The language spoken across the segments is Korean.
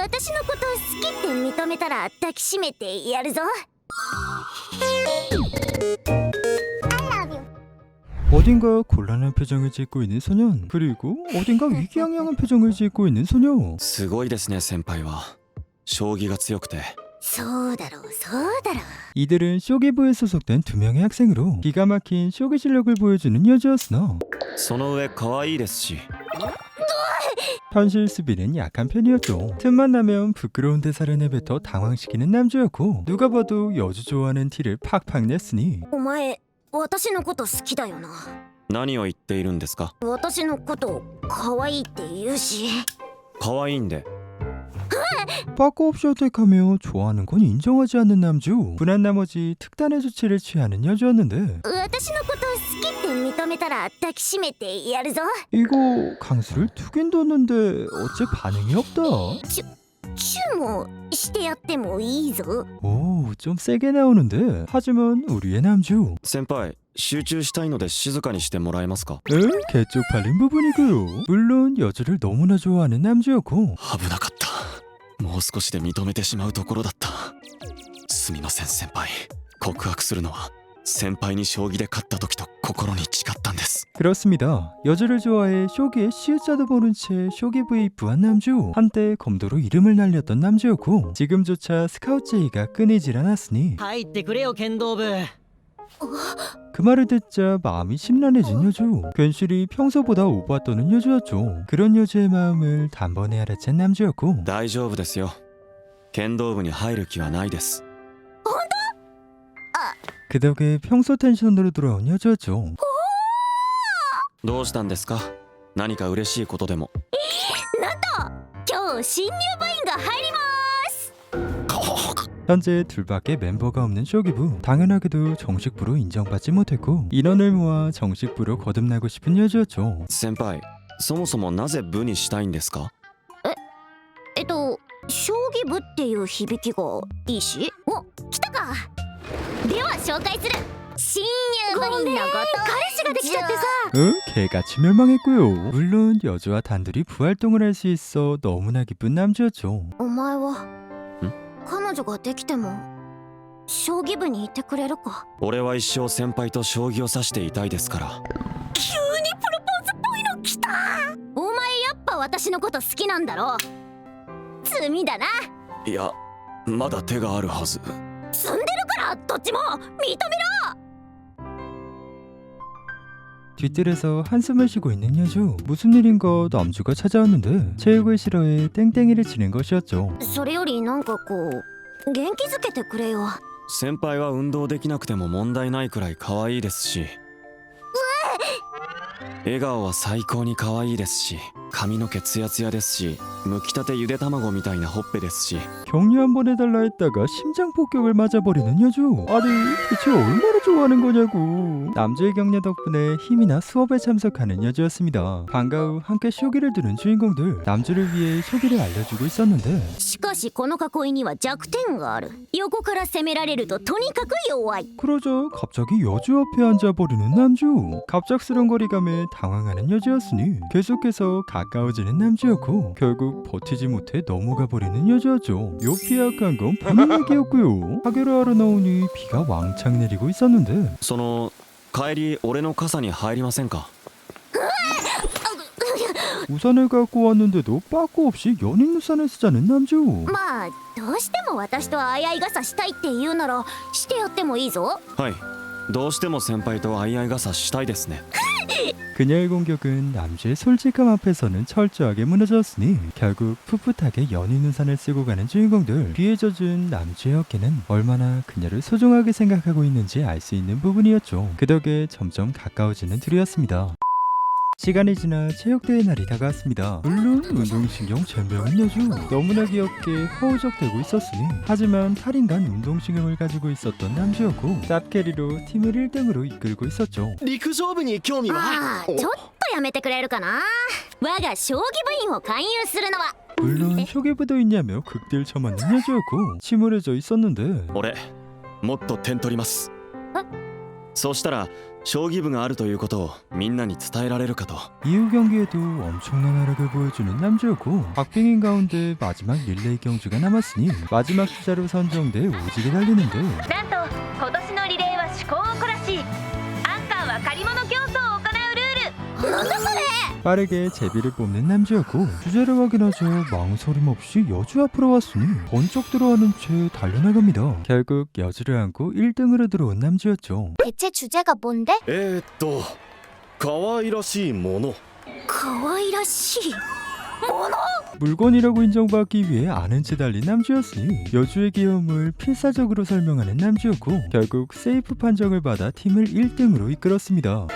私のこと好きって認めたら抱きしめてやるぞ。 어딘가 곤란한 표정을 짓고 있는 소년, 그리고 어딘가 위기양양한 표정을 짓고 있는 소녀. すごいですね先輩は。将棋が強くて。 そうだろうそうだろう。 이들은 쇼기부에 소속된 두 명의 학생으로 기가 막힌 쇼기 실력을 보여주는 여주였으나 その上可愛いですし。 현실 수비는 약한 편이었죠. 틈만 나면 부끄러운 대사를 내뱉어 당황시키는 남주였고 누가 봐도 여주 좋아하는 티를 팍팍 냈으니 お前私のこと好きだよな。 何を言っているんですか。 私のこと可愛いって言うし。 可愛いんで。 빠꾸 없이 어택하며 좋아하는 건 인정하지 않는 남주. 분한 나머지 특단의 조치를 취하는 여주였는데 私のこと好きって認めたら抱きしめてやるぞ。 이거 강수를 두긴 뒀는데 어째 반응이 없다. チューもしてやってもいいぞ。 오, 좀 세게 나오는데. 하지만 우리의 남주. 先輩集中したいので静かにしてもらえますか。 개쪽팔린 부분이고요. 물론 여주를 너무나 좋아하는 남주였고 危なかった。もう少しで認めてしまうところだった。すみません先輩。告白するのは先輩に将棋で勝った時と心に誓ったんです。 그렇습니다. 여주를 좋아해 쇼기의 시우자도 모른 채 쇼기부에 입부한 남주. 한때 검도로 이름을 날렸던 남주였고 지금조차 스카우트 제의가 끊이질 않았으니 入ってくれよ剣道部。 그 말을 듣자 마음이 심란해진 여주. 괜시리 평소보다 오바 떠는 여주였죠. 그런 여주의 마음을 단번에 알아챈 남주였고 大丈夫ですよ。剣道部に入る気はないです。 그 덕에 평소 텐션으로 돌아온 여주였죠. どうしたんですか。何か嬉しいことでも。 今日新入部員が入ります。 현재 둘밖에 멤버가 없는 쇼기부. 당연하게도 정식부로 인정받지 못했고 인원을 모아 정식부로 거듭나고 싶은 여주였죠. 先輩そもそもなぜ部にしたいんですか。 将棋部っていう響きがいいし。お、来たか。では紹介する。新入部員のこと。彼氏ができちゃってさ。 개같이 멸망했고요. 물론 여주와 단둘이 부활동을 할 수 있어 너무나 기쁜 남주였죠. お前は彼女ができても将棋部にいてくれるか。 俺は一生先輩と将棋を指していたいですから。 急にプロポーズっぽいの来た。お前やっぱ私のこと好きなんだろ。罪だな。 いやまだ手があるはず。 積んでるからどっちも認めろ。 뒷뜰에서 한숨을 쉬고 있는 여주. 무슨 일인가 남주가 찾아왔는데 체육을 싫어해 땡땡이를 치는 것이었죠. それよりなんかこう元気づけてくれよ。 先輩は運動できなくても問題ないくらい可愛いですし、笑顔は最高に可愛いですし、髪の毛ツヤツヤですし、剥きたてゆで卵みたいなほっぺですし。 격려 한번 해달라 했다가 심장 폭격을 맞아버리는 여주. 아니 대체 얼마나 좋아하는 거냐고. 남주의 격려 덕분에 힘이나 수업에 참석하는 여주였습니다. 방과 후 함께 쇼기를 두는 주인공들. 남주를 위해 쇼기를 알려주고 있었는데 しかしこの囲いには弱点がある。横から攻められるととにかく弱い。 그러자 갑자기 여주 앞에 앉아버리는 남주. 갑작스런 거리감에 당황하는 여주였으니 계속해서 가까워지는 남주였고 결국 버티지 못해 넘어가 버리는 여주였죠. 요 피약한 건 분위기였고요. 하교를 하러 나오니 비가 왕창 내리고 있었는데 その帰り俺の傘に入りませんか。 우산을 갖고 왔는데도 빠꾸 없이 연인 우산을 쓰자는 남주. まあどうしても私と相合い傘したいって言うならしてやってもいいぞ。 はいどうしても先輩と相合い傘したいですね。 그녀의 공격은 남주의 솔직함 앞에서는 철저하게 무너졌으니 결국 풋풋하게 연인 우산을 쓰고 가는 주인공들. 비에 젖은 남주의 어깨는 얼마나 그녀를 소중하게 생각하고 있는지 알 수 있는 부분이었죠. 그 덕에 점점 가까워지는 둘이었습니다. 시간이 지나 체육대회 날이 다가왔습니다. 물론 운동신경 젬병은 여주. 너무나 귀엽게 허우적대고 있었으니 하지만 탈인간 운동신경을 가지고 있었던 남주였고 짭캐리로 팀을 1등으로 이끌고 있었죠. 陸上部に興味は。 ああちょっとやめてくれるかな。我が将棋部員を勧誘するのは。 물론 쇼개부도 있냐며 극딜 쳐맞는 여주였고 침울해져 있었는데 俺もっと点取ります。そうしたら将棋部があるということをみんなに伝えられるかと。 이후 경기에도 엄청난 활약을 보여주는 남주였고 박빙인 가운데 마지막 릴레이 경주가 남았으니 마지막 주자로 선정돼 오지게 달리는데 なんと今年のリレーは趣向を凝らしアンカーは借り物競争を行うルール。なんだそれ。 빠르게 제비를 뽑는 남주였고 주제를 확인하자 망설임 없이 여주 앞으로 왔으니 번쩍 들어가는 채 달려나갑니다. 결국 여주를 안고 1등으로 들어온 남주였죠. 대체 주제가 뭔데? 可愛らしいもの。 可愛らしい。 물건이라고 인정받기 위해 아는 채 달린 남주였으니 여주의 귀여움을 필사적으로 설명하는 남주였고 결국 세이프 판정을 받아 팀을 1등으로 이끌었습니다.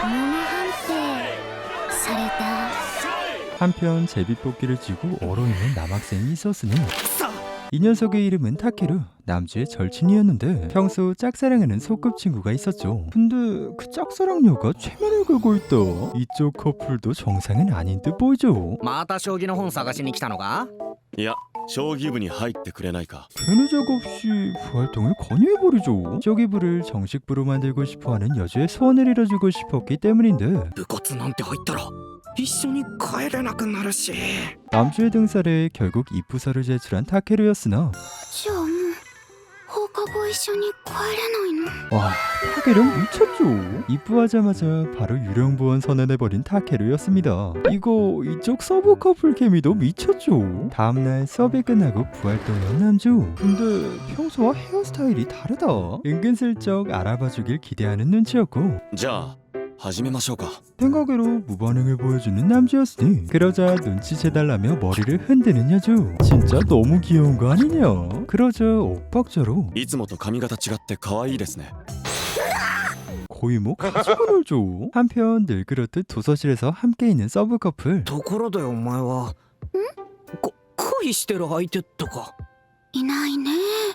された。 한편 제비뽑기를 쥐고 얼어있는 남학생이 있었으니 이 녀석의 이름은 타케루, 남주의 절친이었는데 평소 짝사랑하는 소꿉친구가 있었죠. 근데 그 짝사랑녀가 최면을 걸고 있다. 이쪽 커플도 정상은 아닌 듯 보이죠. また将棋の本探しに来たのか？ いや、将棋部に入ってくれないか。 괜히 적 없이 부활동을 권유해버리죠. 저기부를 정식부로 만들고 싶어하는 여주의 소원을 이뤄주고 싶었기 때문인데 部活なんて入ったら一緒に帰れなくなるし。 남주의 등살에 결국 입부서를 제출한 타케루였으나 じゃあもう放課後一緒に帰れないの？ 와, 타케루 미쳤죠. 입부하자마자 바로 유령부원 선언해버린 타케루였습니다. 이거 이쪽 서브 커플 케미도 미쳤죠. 다음날 수업이 끝나고 부활동한 남주. 근데 평소와 헤어스타일이 다르다. 은근슬쩍 알아봐주길 기대하는 눈치였고 じゃあ始めましょうか。 생각외로 무반응을 보여주는 남주였으니 그러자 눈치채달라며 머리를 흔드는 여주. 진짜 너무 귀여운 거 아니냐. 그러자 옥박자로 いつもと髪型違って可愛いですね。 거의 뭐 가지고 놀죠. 한편 늘 그렇듯 도서실에서 함께 있는 서브 커플. ところでお前は恋してる相手とか。 いないね。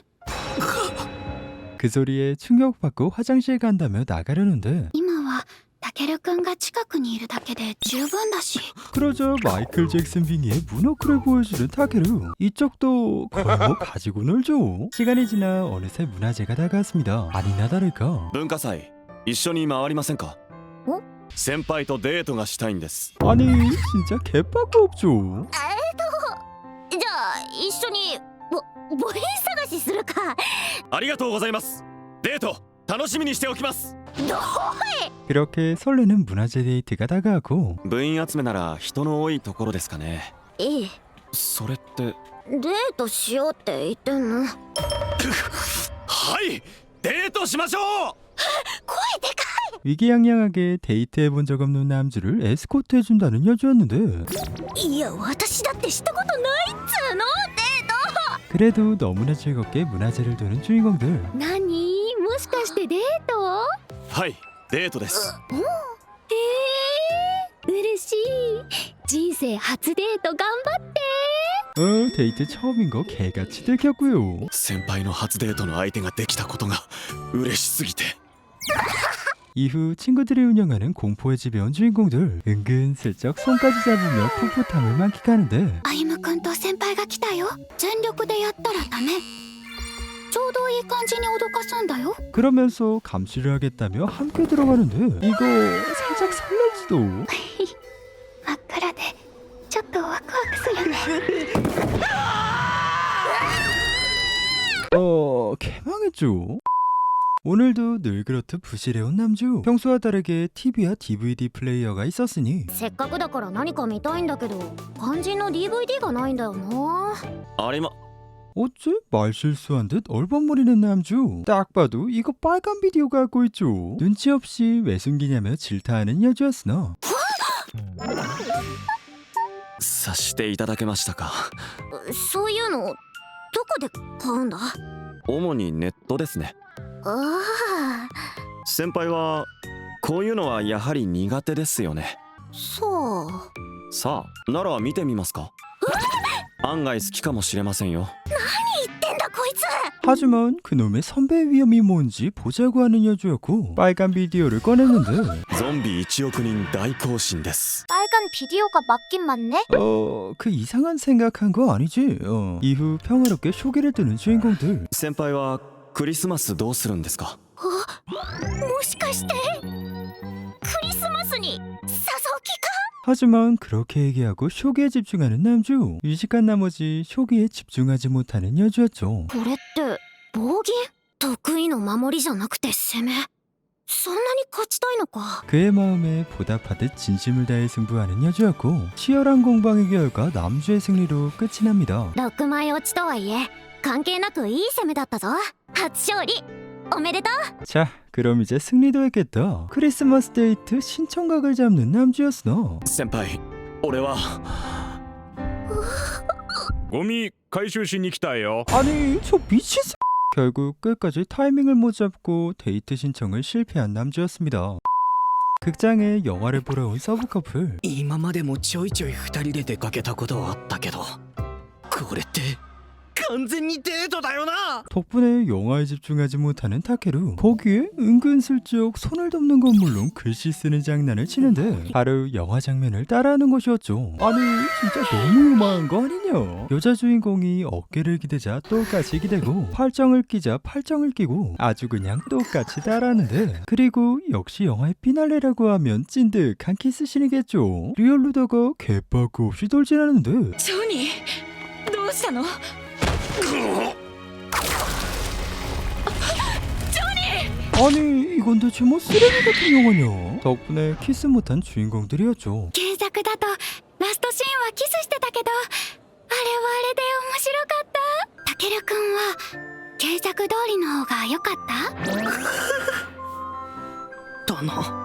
그 소리에 충격받고 화장실 간다며 나가려는데 今はタケルくんが近くにいるだけで十分だし。 그러자 마이클 잭슨 빙의의 문어크를 보여주는 타케루. 이쪽도 거의 뭐 가지고 놀죠. 시간이 지나 어느새 문화제가 다가왔습니다. 아니나 다를까 文化祭一緒に回りませんか？ お？ 先輩とデートがしたいんです。 아니 진짜 개빠꾸 없죠. じゃあ一緒に母編探しするか。 ありがとうございます。デート楽しみにしておきます。 그렇게 설레는 문화제 데이트가 다가오고 部員集めなら人の多いところですかね。 いい。 それってデートしようって言ってんの？ はいデートしましょう。 声でか 위기양양하게 데이트해본 적 없는 남주를 에스코트 해준다는 여주였는데 い。いや私だってしたことないっつうの。 그래도 너무나 즐겁게 문화제를 도는 주인공들. 何？もしかしてデート？ はいデートです。 嬉しい。人生初デート頑張って。 데이트 처음인 거 개같이 들켰고요. 先輩の初デートの相手ができたことが嬉しすぎて。 이후 친구들이 운영하는 공포의 집에 온 주인공들. 은근슬쩍 손까지 잡으며 풋풋함을 만끽하는데 歩夢くんと先輩が来たよ。全力でやったらダメ。ちょうどいい感じに脅かすんだよ。 그러면서 감시를 하겠다며 함께 들어가는데 이거 살짝 설렐지도. 真っ暗でちょっとワクワクするね。 개망했죠. 오늘도 늘 그렇듯 부실해온 남주. 평소와 다르게 TV와 DVD 플레이어가 있었으니 せっかくだから何か見たいんだけど肝心の DVD がないんだよな。 ありま 어째 말실수한 듯 얼버무리는 남주. 딱 봐도 이거 빨간 비디오 갖고 있죠. 눈치 없이 왜 숨기냐며 질타하는 여주였으나 察していただけましたか。 そういうのどこで買うんだ？ 主にネットですね。 ああ。 先輩はこういうのはやはり苦手ですよね。 そう。 さあなら見てみますか。案外好きかもしれませんよ。 言ってんだこいつ。 하지만 그놈의 선배의 위험이 뭔지 보자고 하는 여주였고 빨간 비디오를 꺼냈는데 ゾンビ1億人大行進です。 빨간 비디오가 맞긴 맞네. 그 이상한 생각한 거 아니지? 이후 평화롭게 쇼기를 뜨는 주인공들. 先輩はクリスマスどうするんですか。 もしかして 하지만 그렇게 얘기하고 쇼기에 집중하는 남주. 유식한 나머지 쇼기에 집중하지 못하는 여주였죠. これって暴言？得意の守りじゃなくて攻め？そんなに勝ちたいのか。 그의 마음에 보답하듯 진심을 다해 승부하는 여주였고 치열한 공방의 결과 남주의 승리로 끝이 납니다. 6枚落ちとはいえ関係なくいい攻めだったぞ。初勝利おめでとう。 자, 그럼 이제 승리도 했겠다. 크리스마스 데이트 신청각을 잡는 남주였으나 先輩俺はゴミ回収しに来たよ。 아니 저 미친 결국 끝까지 타이밍을 못 잡고 데이트 신청을 실패한 남주였습니다. 극장에 영화를 보러 온 서브 커플. 今までもちょいちょい二人で出かけたことはあったけどこれって完全にデートだよな。 덕분에 영화에 집중하지 못하는 타케루. 거기에 은근슬쩍 손을 덮는 건 물론 글씨 쓰는 장난을 치는데 바로 영화 장면을 따라하는 것이었죠. 아니 진짜 너무 요망한 거 아니냐. 여자 주인공이 어깨를 기대자 똑같이 기대고 팔짱을 끼자 팔짱을 끼고 아주 그냥 똑같이 따라하는데 그리고 역시 영화의 피날레라고 하면 찐득한 키스신이겠죠. 리얼루다가 개빠꾸 없이 돌진하는데 ジョニーどうしたの？ 아니 이건 대체 뭐 쓰레기 같은 영화냐. 덕분에 키스 못한 주인공들이었죠. 原作だとラストシーンはキスしてたけどあれはあれで面白かった。たけるくんは原作通りの方が良かった？ だな。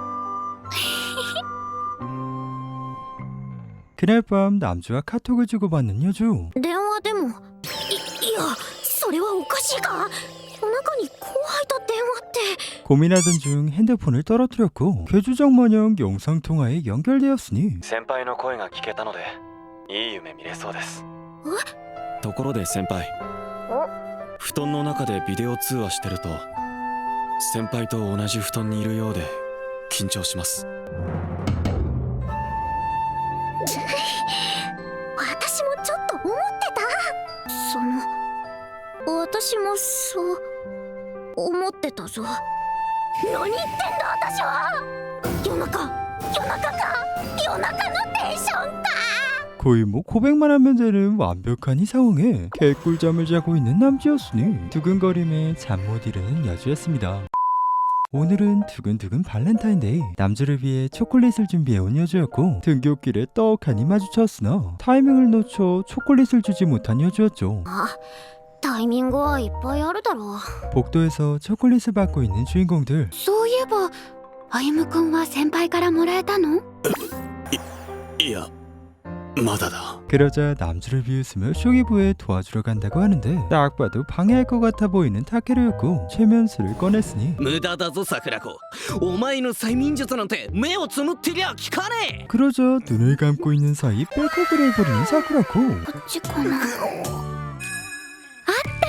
그날 밤 남주와 카톡을 주고받는 여주. 電話でもいやそれはおかしいか。夜中に後輩と電話って。 고민하던 중 핸드폰을 떨어뜨렸고 괴주정 마냥 영상통화에 연결되었으니 先輩の声が聞けたのでいい夢見れそうです。ところで先輩布団の中でビデオ通話してると先輩と同じ布団にいるようで緊張します。 私もちょっと思ってた。私もそう思ってたぞ。何言ってんだ私は。夜中のテンションか。 거의 뭐 고백만 하면 되는 완벽한 이 상황에 개꿀잠을 자고 있는 남주였으니 두근거림에 잠 못 이루는 여주였습니다. 오늘은 두근두근 발렌타인데이. 남주를 위해 초콜릿을 준비해온 여주였고 등굣길에 떡하니 마주쳤으나 타이밍을 놓쳐 초콜릿을 주지 못한 여주였죠. タイミングはいっぱいあるだろう。 복도에서 초콜릿을 받고 있는 주인공들. そういえば歩夢くんは先輩からもらえたの？ いやまだだ。 그러자 남주를 비웃으며 쇼기부에 도와주러 간다고 하는데 딱 봐도 방해할 것 같아 보이는 타케루였고 최면수를 꺼냈으니 無駄だぞ桜子。お前の催眠術なんて目をつむってりゃ効かねえ。 그러자 눈을 감고 있는 사이 백허그를 해버리는 사쿠라코. こっちかな。あった。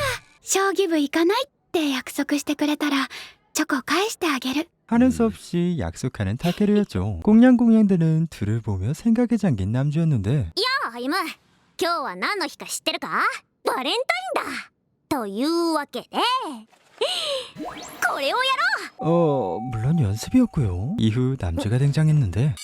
将棋部行かないって約束してくれたらチョコ返してあげる。 하는 수 없이 약속하는 타케루였죠. 꽁냥꽁냥대는 둘을 보며 생각에 잠긴 남주였는데 やあ歩夢、今日は何の日か知ってるか？バレンタインだ。というわけでこれをやろう。 물론 연습이었고요. 이후 남주가 등장했는데 めっ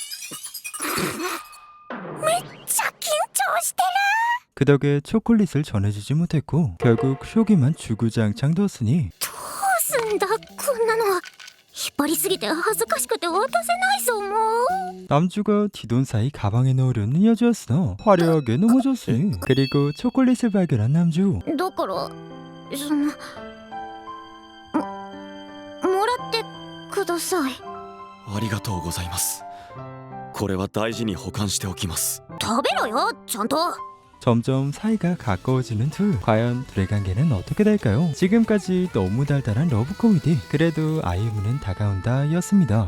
ちゃ緊張してる。 그 덕에 초콜릿을 전해주지 못했고 결국 쇼기만 주구장창 뒀으니 どうすんだこんなの。引っ張りすぎて恥ずかしくて渡せないぞもう。 남주가 뒤돈 사이 가방에 넣으려는 여주였으나 화려하게 넘어졌으니 그리고 초콜릿을 발견한 남주. だからそのもらってください。 ありがとうございます。これは大事に保管しておきます。 食べろよちゃんと。 점점 사이가 가까워지는 둘. 과연 둘의 관계는 어떻게 될까요? 지금까지 너무 달달한 러브 코미디. 그래도 아이유는 다가온다 였습니다.